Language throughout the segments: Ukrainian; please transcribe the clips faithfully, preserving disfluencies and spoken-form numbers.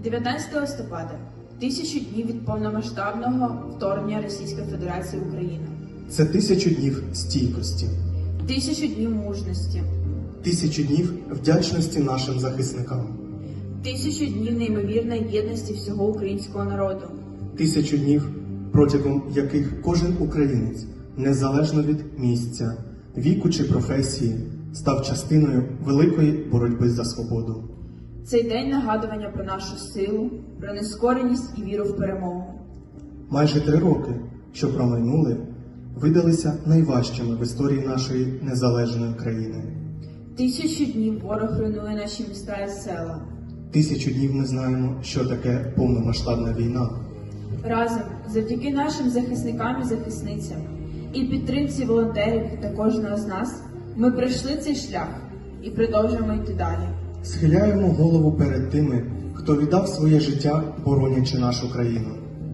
дев'ятнадцятого листопада – тисячу днів від повномасштабного вторгнення Російської Федерації в Україну. Це тисячу днів стійкості, Тисячу днів мужності, тисячу днів вдячності нашим захисникам, тисячу днів неймовірної єдності всього українського народу, тисячу днів, протягом яких кожен українець, незалежно від місця, віку чи професії, став частиною великої боротьби за свободу. Цей день нагадування про нашу силу, про нескореність і віру в перемогу. Майже три роки, що промайнули, видалися найважчими в історії нашої незалежної країни. Тисячу днів ворог руйнує наші міста і села. Тисячу днів ми знаємо, що таке повномасштабна війна. Разом, завдяки нашим захисникам і захисницям, і підтримці волонтерів та кожного з нас, ми пройшли цей шлях і продовжуємо йти далі. Схиляємо голову перед тими, хто віддав своє життя, боронячи нашу країну.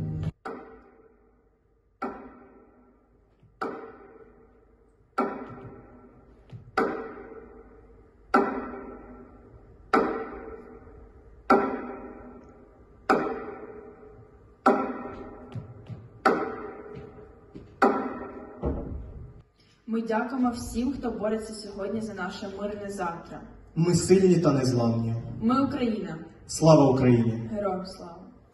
Ми дякуємо всім, хто бореться сьогодні за наше мирне завтра. Ми сильні та незламні. Ми Україна. Слава Україні! Героям слава!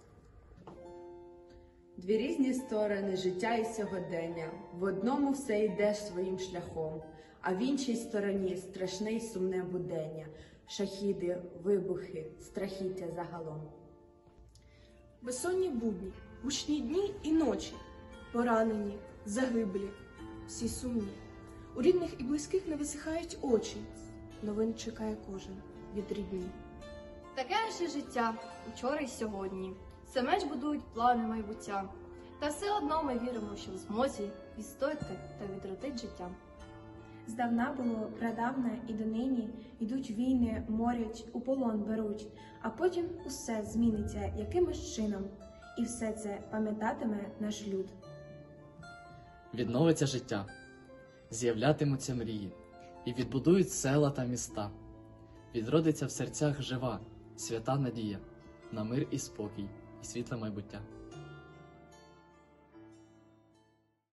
Дві різні сторони життя і сьогодення. В одному все йде своїм шляхом, а в іншій стороні страшне й сумне будення. Шахіди, вибухи, страхіття загалом. Безсонні будні, гучні дні і ночі, поранені, загиблі, всі сумні. У рідних і близьких не висихають очі, новин чекає кожен від рідні. Таке наше життя, учора й сьогодні. Все менш будують плани майбуття. Та все одно ми віримо, що в змозі відстояти та відродити життя. Здавна було, прадавна і донині йдуть війни, морять, у полон беруть, а потім усе зміниться якимось чином, і все це пам'ятатиме наш люд. Відновиться життя, з'являтимуться мрії, і відбудують села та міста. Відродиться в серцях жива, свята надія на мир і спокій, і світле майбуття.